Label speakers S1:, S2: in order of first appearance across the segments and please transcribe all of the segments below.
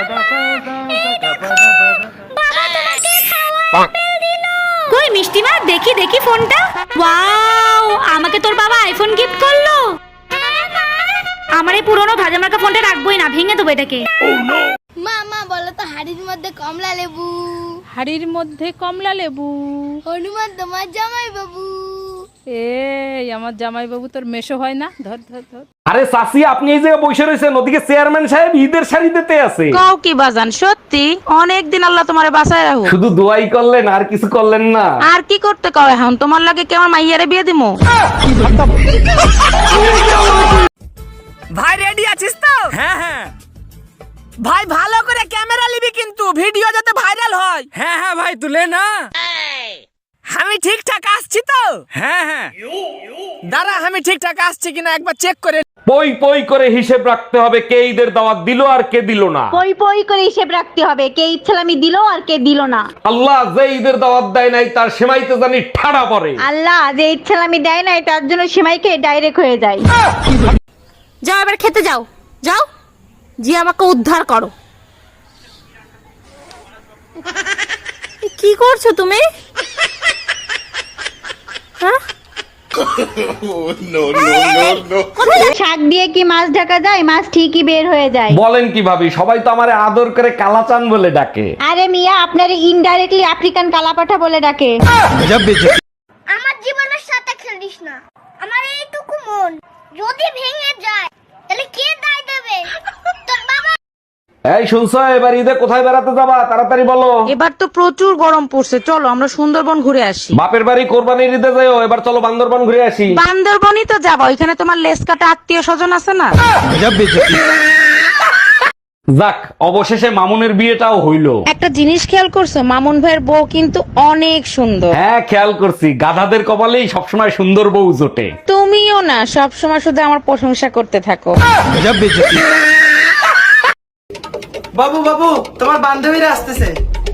S1: কই মিষ্টি মা, দেখি দেখি ফোনটা। ওয়াও, আমাকে তোর বাবা আইফোন গিফট করলো। আমার এই পুরনো ভাজা মার্কা ফোনটা রাখবোই না, ভেঙে দেবো এটাকে।
S2: মা মা বলো তো, হাড়ির মধ্যে কমলা লেবু।
S3: হাড়ির মধ্যে কমলা লেবু।
S2: হনুমান তোমার জামাই বাবু।
S3: এই আমার জামাই বাবু তোর মেশো হয় না? ধর ধর ধর।
S4: আরে চাচি, আপনি এই জায়গায় বসে রয়েছেন, ওদিকে চেয়ারম্যান সাহেব ঈদের শাড়ি দিতে আছে।
S5: কাও কি বাজান, সত্যি অনেক দিন আল্লাহ তোমারে বাঁচায় রাখো।
S4: শুধু দোয়াই করলেন, আর কিছু করলেন না?
S5: আর কি করতে কও এখন? তোমার লাগে কেমন মাইয়ারে বিয়ে দিমু?
S6: ভাই রেডি আছিস তো? হ্যাঁ হ্যাঁ ভাই, ভালো করে ক্যামেরা নিবি কিন্তু, ভিডিও যাতে ভাইরাল হয়। হ্যাঁ হ্যাঁ ভাই, তুলে না। আমি ঠিকঠাক আসছি তো? হ্যাঁ হ্যাঁ, দাঁড়া, আমি ঠিকঠাক আসছি কিনা একবার চেক করে।
S4: পই পই করে হিসেব রাখতে হবে, কে ঈদের দাওয়াত দিল আর কে দিল না।
S1: পই পই করে হিসেব রাখতে হবে, কে ইচ্ছালামি দিল আর কে দিল না।
S4: আল্লাহ যে ঈদের দাওয়াত দেয় নাই তার সেমাইতে জানি ঠাড়া পড়ে।
S1: আল্লাহ যে ইচ্ছালামি দেয় না তার জন্য সেমাইকে ডাইরেক্ট হয়ে যায়। যাও এবার খেতে যাও, যাও, জি আমাকে উদ্ধার করো। কি করছো তুমি? শাক দিয়ে কি মাছ ঢাকা যায়? মাছ ঠিকই বের হয়ে যায়।
S4: বলেন কি ভাবি, সবাই তো আমারে আদর করে কালাচান বলে ডাকে।
S1: আরে মিয়া, আপনারে ইনডাইরেক্টলি আফ্রিকান কালাপাঠা বলে ডাকে।
S2: আমার জীবনের সাথে খেলিস না। আমার এইটুকু মন যদি ভেঙে যায় তাহলে কে দায় দেবে? তোর বাবা।
S4: এই শুনছো, এবার ঈদে কোথায় বেড়াতে যাবা? তাড়াতাড়ি বলো।
S5: এবার তো প্রচুর গরম পড়ছে, চলো আমরা সুন্দরবন ঘুরে আসি।
S4: বাপের বাড়ি কোরবানির ঈদে যাও, এবার চলো বান্দরবান ঘুরে আসি।
S5: বান্দরবনই তো যাবো, ওইখানে তোমার লেস কাটা আত্মীয় স্বজন আছে না?
S4: যাক, অবশেষে মামুনের বিয়েটাও হইলো।
S5: একটা জিনিস খেয়াল করছো, মামুন ভাইয়ের বউ কিন্তু অনেক সুন্দর।
S4: হ্যাঁ খেয়াল করছি, গাধাদের কপালেই সবসময় সুন্দর বউ জোটে।
S5: তুমিও না সবসময় শুধু আমার প্রশংসা করতে থাকো।
S6: বাবু বাবু, তোমার বান্ধবীরা আসতেছে।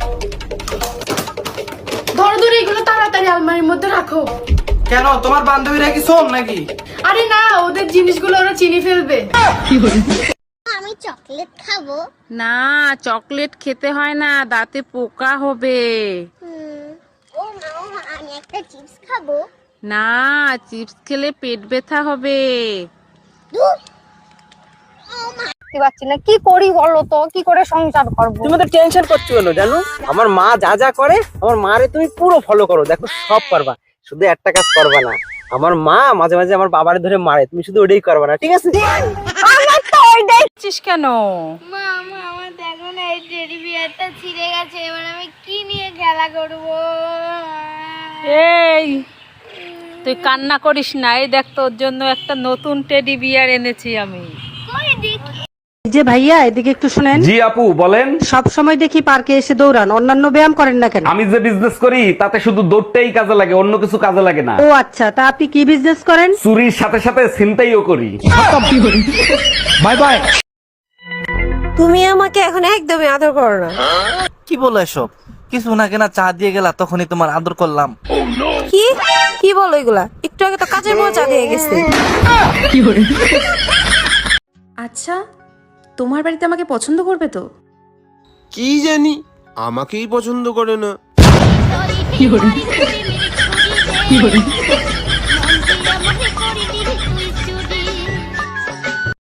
S7: ধরো ধরো, এগুলো তাড়াতাড়ি আলমারির মধ্যে রাখো।
S6: কেন, তোমার বান্ধবীরা কি শোন নাকি?
S7: আরে না, ওদের জিনিসগুলো ওরা চিনি ফেলবে।
S2: আমি চকলেট খাবো।
S5: না, চকলেট খেতে হয় না, দাঁতে পোকা হবে।
S2: ও মা, আমি একটা চিপস খাবো।
S5: না, চিপস খেলে পেট ব্যথা হবে।
S1: পাচ্ছি না, কি করি বলো তো, কি করে সংসার করবো?
S6: তুমি তো টেনশন করছো কেন জানো? আমার মা যা যা করে, আমার মারে তুমি পুরো ফলো করো, দেখো সব পারবা। শুধু একটা কাজ করবা না, আমার মা মাঝে মাঝে আমার বাবারে ধরে মারে, তুমি শুধু ওটাই করবা না, ঠিক আছে?
S1: আমার তো ওইটাই।
S5: কেন?
S2: মা মা, আমার দেখো না, এই টেডি বিয়ারটা ছিঁড়ে গেছে, এবার আমি কি নিয়ে খেলা করবো?
S3: এই তুই কান্না করিস না, এই দেখ তোর জন্য একটা নতুন টেডি বিয়ার এনেছি আমি।
S2: কই দেখি।
S8: যে ভাইয়া এদিকে একটু শুনেন।
S4: জি আপু বলেন।
S8: সব সময় দেখি পার্কে এসে দৌড়ান, অন্যান্য ব্যায়াম করেন না কেন?
S4: আমি যে বিজনেস করি তাতে শুধু দৌড়টাই কাজে লাগে, অন্য কিছু কাজে লাগে না।
S8: ও আচ্ছা, তা আপনি কি বিজনেস করেন?
S4: চুরির সাথে সাথে ছিনতাইও করি। Bye bye.
S9: তুমি আমাকে এখন একদমই আদর করো না।
S6: কি বলো এসব? কিছু না কেনা চা দিয়ে গেলা, তখনই তোমার আদর করলাম।
S9: কি কি বলো এগুলা? একটু আগে তো কাজের মজা দিয়ে গেছে।
S10: আচ্ছা, তোমার বাড়িতে আমাকে পছন্দ করবে তো?
S11: কি জানি, আমাকেই পছন্দ করে না।
S2: কি